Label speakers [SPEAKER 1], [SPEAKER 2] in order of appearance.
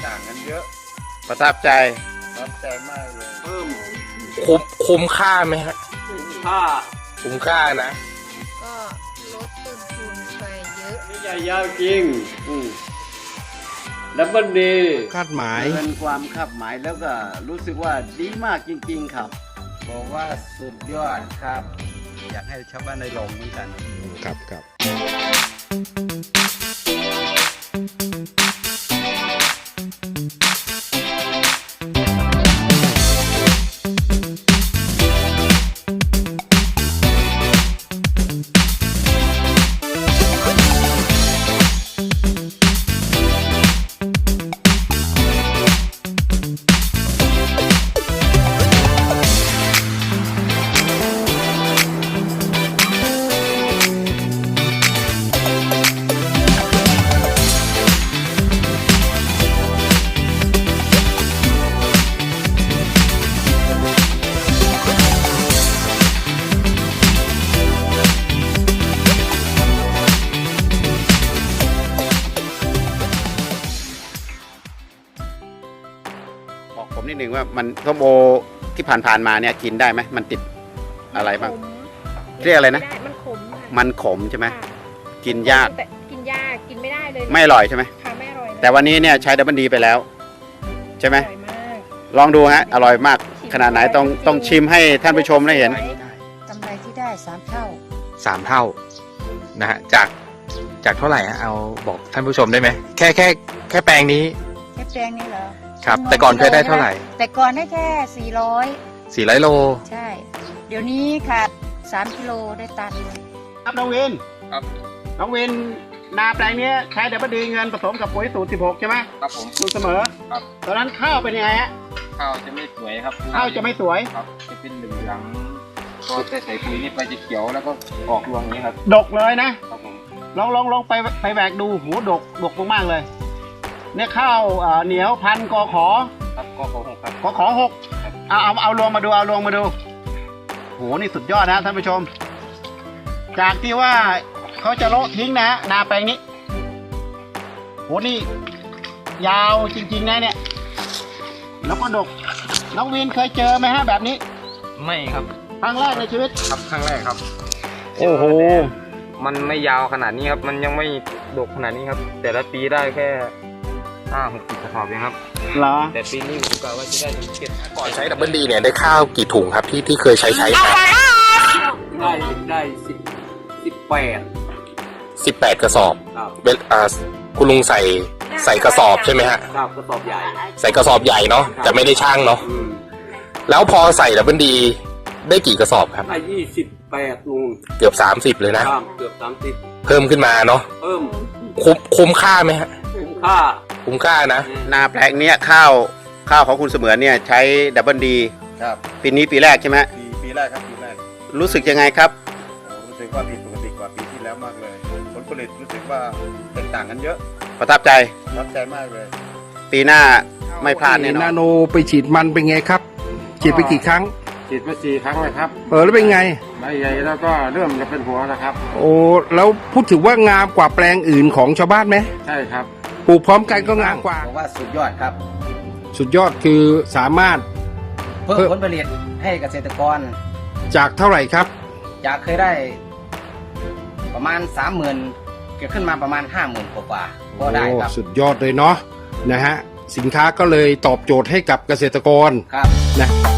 [SPEAKER 1] ต่างกันเยอะ
[SPEAKER 2] ประทับใจ
[SPEAKER 1] มากเลย
[SPEAKER 3] เพิ่ม
[SPEAKER 2] คุ้มค่าไหมฮะ
[SPEAKER 3] คุ้มค่า
[SPEAKER 2] นะ
[SPEAKER 4] ก็ลดต้นทุนไปเยอะ
[SPEAKER 3] นี่ใหญ่ยาวจริงดับเบิลดี
[SPEAKER 5] คาดหมาย
[SPEAKER 1] เป็นความคาดหมายแล้วก็รู้สึกว่าดีมากจริงๆครับบอกว่าสุดยอดครับอยากให้ชาวบ้านได้ลองเหมือนกัน
[SPEAKER 5] ครับ
[SPEAKER 2] บอกผมนิดนึงว่ามันส้มโอที่ผ่านมาเนี่ยกินได้ไหมมันติดอะไรบ้างเรียกอะไรนะมันขมใช่ไหมกินยาก
[SPEAKER 4] กินไม่ได้เลย
[SPEAKER 2] ไม่อร่อยใช่ไหม
[SPEAKER 4] ค่ะไม่อร่อย
[SPEAKER 2] แต่วันนี้เนี่ยใช้ดับเบิลดีไปแล้วใช่ไหมลองดูฮะอร่อยมากขนาดไหนต้องชิมให้ท่านผู้ชมได้เห็น
[SPEAKER 4] กำไรที่ได้3 เท่า
[SPEAKER 5] 3 เท่านะฮะจากเท่าไหร่ฮะเอาบอกท่านผู้ชมได้ไหมแค่แปลงนี้
[SPEAKER 4] แค่แปลงนี้เหรอ
[SPEAKER 5] ครับแต่ก่อนเคยได้เท่าไหร่
[SPEAKER 4] แต่ก่อนได้แค่400
[SPEAKER 5] โล
[SPEAKER 4] ใช่เดี๋ยวนี้ค่ะ3 กิโลได้ตัน
[SPEAKER 2] ครับน้องวิน
[SPEAKER 3] ครับ
[SPEAKER 2] น้องวินนาแปลงนี้ใช้ดับเบิลดีเงินผสมกับปุ๋ยสูตร16ใช่ไหม
[SPEAKER 3] ครับผม
[SPEAKER 2] สูตรเสมอ
[SPEAKER 3] ครับ
[SPEAKER 2] ตอนนั้นข้าวเป็นยังไงฮะ
[SPEAKER 3] ข้าวจะไม่สวยครับ
[SPEAKER 2] ข้าวจะไม่สวย
[SPEAKER 3] ครับจะเป็นเหลืองพอใส่ปุ๋ยนี่ไปจะเขียวแล้วก็ออกรวงนี้ครับ
[SPEAKER 2] ดกเลยนะครับ
[SPEAKER 3] ผม
[SPEAKER 2] ลองไปแหวกดูหูดกมากเลยเนี่ยข้าวเหนียวพันกขอ
[SPEAKER 3] ครับกขอ6ครับ
[SPEAKER 2] กขอ6เอาลงมาดูโหนี่สุดยอดนะท่านผู้ชมจากที่ว่าเขาจะโละทิ้งนะนาแปลงนี้โหนี่ยาวจริงๆนะเนี่ยแล้วก็ดกน้องวินเคยเจอไหมฮะแบบนี้
[SPEAKER 3] ไม่ครับ
[SPEAKER 2] ครั้งแรกในชีวิต
[SPEAKER 3] ครับครั้งแรกครับ
[SPEAKER 2] โอ้โห
[SPEAKER 3] มันไม่ยาวขนาดนี้ครับมันยังไม่ดกขนาดนี้ครับแต่ละปีได้แค่5-60 กระสอบเองครับ
[SPEAKER 2] เหรอ
[SPEAKER 3] แต่ปีนี้ผมกะว่าจะได้ถึง7
[SPEAKER 5] ก่อนใช้ดับเบิลดีเนี่ยได้ข้าวกี่ถุงครับที่เคยใช้
[SPEAKER 3] ได้
[SPEAKER 5] 18กระสอบคุณลุงใส่กระสอบใช่ไหมฮะ
[SPEAKER 3] ครับกระสอบใหญ่
[SPEAKER 5] ใส่กระสอบใหญ่เนาะแต่ไม่ได้ช่างเนาะแล้วพอใส่ดับเบิลดีได้กี่กระสอบครับ
[SPEAKER 3] ได้28ลุง
[SPEAKER 5] เกือบ30เลยนะ
[SPEAKER 3] เกือบ30
[SPEAKER 5] เพิ่มขึ้นมาเนาะ
[SPEAKER 3] เพิ่ม
[SPEAKER 5] คุ้มค่าไหมฮะ
[SPEAKER 3] คุ้มค่า
[SPEAKER 5] นะ
[SPEAKER 2] นาแปลงเนี้ยข้าวของคุณเสมือนเนี่ยใช้ดับเบิลดี
[SPEAKER 1] ครับ
[SPEAKER 2] ปีนี้ปีแรกใช่ไหม
[SPEAKER 1] ปีแรกครับปีแรก
[SPEAKER 2] รู้สึกยังไงครับ
[SPEAKER 1] รู้สึกว่าผิดปกติกว่าปีที่แล้วมากเลยผลผลิตรู้สึกว่าแตกต่างกันเยอะ
[SPEAKER 2] ประทับใจ
[SPEAKER 1] มากเลย
[SPEAKER 2] ปีหน้าไม่พลาดแน่นอน
[SPEAKER 5] นาโนไปฉีดมันเป็นไงครับฉีดไปกี่ครั้ง
[SPEAKER 1] ฉีดไป4 ครั้งเลยครับ
[SPEAKER 5] แล้วเป็นไง
[SPEAKER 1] ใบใหญ่แล้วก็เริ่มจะเป็นหัวแล้วครับ
[SPEAKER 5] โอ้แล้วพูดถึงว่างามกว่าแปลงอื่นของชาวบ้านไหม
[SPEAKER 1] ใช่ครับ
[SPEAKER 5] ปลูกพร้อมกันก็งามกว่า
[SPEAKER 1] บอกว่าสุดยอดครับ
[SPEAKER 5] สุดยอดคือสามารถ
[SPEAKER 1] เพิ่มผลผลิตให้เกษตรกร
[SPEAKER 5] จากเท่าไหร่ครับ
[SPEAKER 1] จากเคยได้ประมาณ 30,000 เกิดขึ้นมาประมาณ 50,000 กว่าก็ได้ครับ
[SPEAKER 5] สุดยอดเลยเนาะนะฮะสินค้าก็เลยตอบโจทย์ให้กับเกษตรกร
[SPEAKER 1] ครับ
[SPEAKER 5] นะ